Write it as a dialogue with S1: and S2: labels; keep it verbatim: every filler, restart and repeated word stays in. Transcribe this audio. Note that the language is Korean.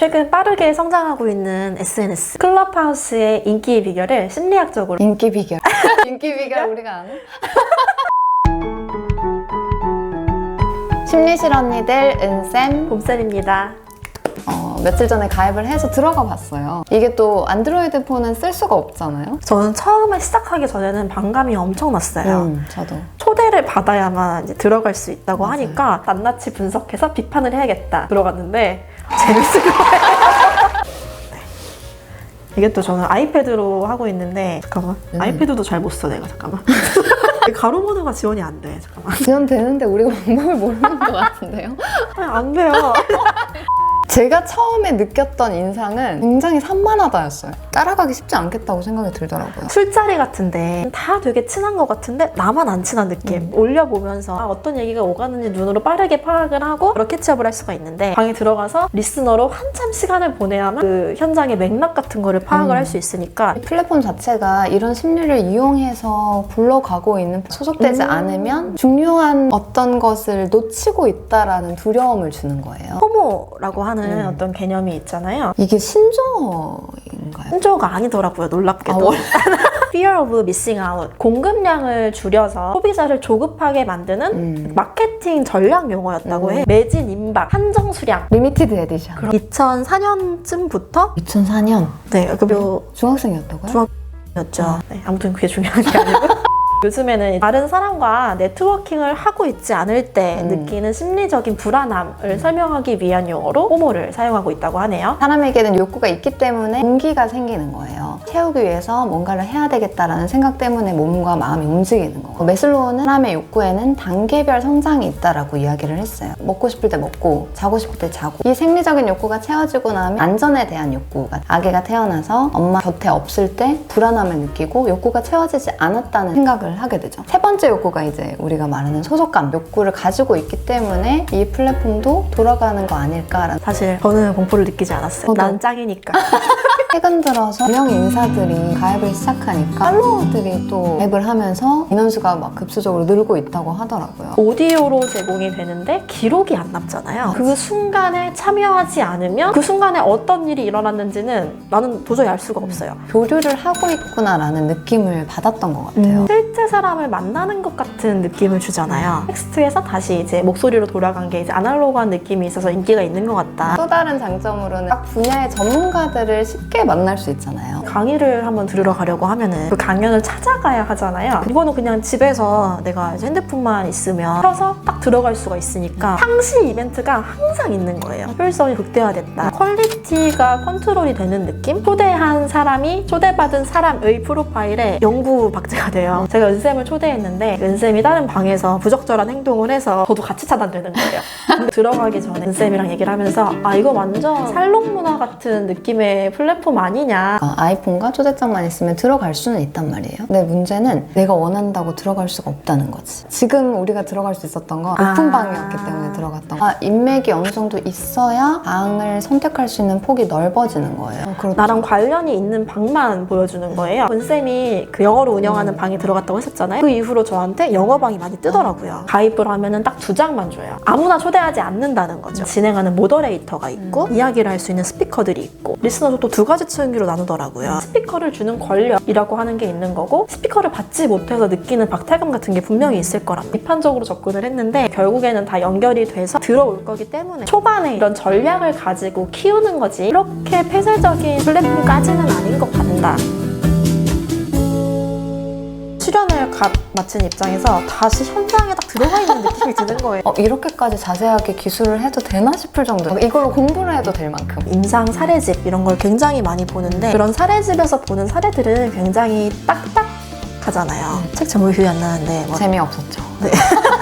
S1: 최근 빠르게 성장하고 있는 에스엔에스 클럽하우스의 인기의 비결을 심리학적으로
S2: 인기 비결 인기 비결 우리가 아는? 심리실 언니들 은쌤
S1: 봄쌤입니다.
S2: 어, 며칠 전에 가입을 해서 들어가 봤어요. 이게 또 안드로이드 폰은 쓸 수가 없잖아요.
S1: 저는 처음에 시작하기 전에는 반감이 엄청났어요.
S2: 음, 저도.
S1: 초대를 받아야만 이제 들어갈 수 있다고
S2: 맞아요.
S1: 하니까 낱낱이 분석해서 비판을 해야겠다 들어갔는데 재밌을 거예요. 네. 이게 또 저는 아이패드로 하고 있는데 잠깐만
S2: 음.
S1: 아이패드도 잘 못 써 내가 잠깐만 가로모드가 지원이 안 돼. 잠깐만
S2: 지원되는데 우리가 방법을 모르는 것 같은데요?
S1: 아니, 안 돼요.
S2: 제가 처음에 느꼈던 인상은 굉장히 산만하다였어요. 따라가기 쉽지 않겠다고 생각이 들더라고요.
S1: 술자리 같은데 다 되게 친한 것 같은데 나만 안 친한 느낌.
S2: 음.
S1: 올려보면서 아, 어떤 얘기가 오가는지 눈으로 빠르게 파악을 하고 바로 캐치업을 할 수가 있는데 방에 들어가서 리스너로 한참 시간을 보내야만 그 현장의 맥락 같은 거를 파악을
S2: 음.
S1: 할 수 있으니까
S2: 이 플랫폼 자체가 이런 심리를 이용해서 굴러가고 있는 소속되지
S1: 음.
S2: 않으면 중요한 어떤 것을 놓치고 있다라는 두려움을 주는 거예요.
S1: 포모라고 하는
S2: 음.
S1: 어떤 개념이 있잖아요.
S2: 이게 신조어인가요?
S1: 신조어가 아니더라고요, 놀랍게도.
S2: 아, 원-
S1: Fear of missing out. 공급량을 줄여서 소비자를 조급하게 만드는
S2: 음.
S1: 마케팅 전략 용어였다고
S2: 음.
S1: 해. 매진 임박, 한정 수량.
S2: 리미티드 에디션.
S1: 이천사 년쯤부터
S2: 이천사 년
S1: 네, 그
S2: 중학생이었다고요?
S1: 중학- 였죠. 네, 아무튼 그게 중요한 게 아니고. 요즘에는 다른 사람과 네트워킹을 하고 있지 않을 때
S2: 음.
S1: 느끼는 심리적인 불안함을 설명하기 위한 용어로 포모를 사용하고 있다고 하네요.
S2: 사람에게는 욕구가 있기 때문에 동기가 생기는 거예요. 채우기 위해서 뭔가를 해야 되겠다라는 생각 때문에 몸과 마음이 움직이는 거고, 매슬로우는 사람의 욕구에는 단계별 성장이 있다라고 이야기를 했어요. 먹고 싶을 때 먹고 자고 싶을 때 자고, 이 생리적인 욕구가 채워지고 나면 안전에 대한 욕구가, 아기가 태어나서 엄마 곁에 없을 때 불안함을 느끼고 욕구가 채워지지 않았다는 생각을 하게 되죠. 세 번째 욕구가 이제 우리가 말하는 소속감, 욕구를 가지고 있기 때문에 이 플랫폼도 돌아가는 거 아닐까라는.
S1: 사실 저는 공포를 느끼지 않았어요.
S2: 저도.
S1: 난 짱이니까.
S2: 최근 들어서 유명 인사들이 가입을 시작하니까 팔로워들이 또 가입을 하면서 인원수가 막 급수적으로 늘고 있다고 하더라고요.
S1: 오디오로 제공이 되는데 기록이 안 남잖아요. 그 순간에 참여하지 않으면 그 순간에 어떤 일이 일어났는지는 나는 도저히 알 수가 없어요.
S2: 교류를 하고 있구나라는 느낌을 받았던 것 같아요.
S1: 음, 실제 사람을 만나는 것 같은 느낌을 주잖아요. 텍스트에서 다시 이제 목소리로 돌아간 게 이제 아날로그한 느낌이 있어서 인기가 있는 것 같다.
S2: 또 다른 장점으로는 각 분야의 전문가들을 쉽게 만날 수 있잖아요.
S1: 강의를 한번 들으러 가려고 하면은 그 강연을 찾아가야 하잖아요. 이거는 그냥 집에서 내가 이제 핸드폰만 있으면 켜서 딱 들어갈 수가 있으니까 상시 이벤트가 항상 있는 거예요. 효율성이 극대화됐다. 퀄리티가 컨트롤이 되는 느낌? 초대한 사람이 초대받은 사람의 프로파일에 영구 박제가 돼요. 제가 은쌤을 초대했는데 은쌤이 다른 방에서 부적절한 행동을 해서 저도 같이 차단되는 거예요. 근데 들어가기 전에 은쌤이랑 얘기를 하면서 아 이거 완전 살롱 문화 같은 느낌의 플랫폼 아니냐.
S2: 어, 아이폰과 초대장만 있으면 들어갈 수는 있단 말이에요. 근데 문제는 내가 원한다고 들어갈 수가 없다는 거지. 지금 우리가 들어갈 수 있었던 건
S1: 아.
S2: 오픈방이었기 때문에 들어갔던 거. 아, 인맥이 어느 정도 있어야 방을 선택할 수 있는 폭이 넓어지는 거예요. 어, 그렇죠.
S1: 나랑 관련이 있는 방만 보여주는 거예요. 은쌤이 그 영어로 운영하는
S2: 음.
S1: 방에 들어갔다고 했었잖아요. 그 이후로 저한테 영어방이 많이 뜨더라고요. 가입을 하면은 딱 두 장만 줘요. 아무나 초대하지 않는다는 거죠. 진행하는 모더레이터가 있고
S2: 음.
S1: 이야기를 할 수 있는 스피커들이 있고 리스너도 또 두 가지 층위로 나누더라고요. 스피커를 주는 권력이라고 하는 게 있는 거고 스피커를 받지 못해서 느끼는 박탈감 같은 게 분명히 있을 거랍니다. 비판적으로 접근을 했는데 결국에는 다 연결이 돼서 들어올 거기 때문에 초반에 이런 전략을 가지고 키우는 거지 이렇게 폐쇄적인 플랫폼까지는 아닌 것 같다. 출연을 갓 마친 입장에서 다시 현장에 딱 들어가 있는 느낌이 드는 거예요.
S2: 어, 이렇게까지 자세하게 기술을 해도 되나 싶을 정도. 이걸로 공부를 해도 될 만큼.
S1: 임상 사례집 이런 걸 굉장히 많이 보는데 그런 사례집에서 보는 사례들은 굉장히 딱딱하잖아요. 책 제목이 기억이 안 나는데 뭐
S2: 재미없었죠.
S1: 네.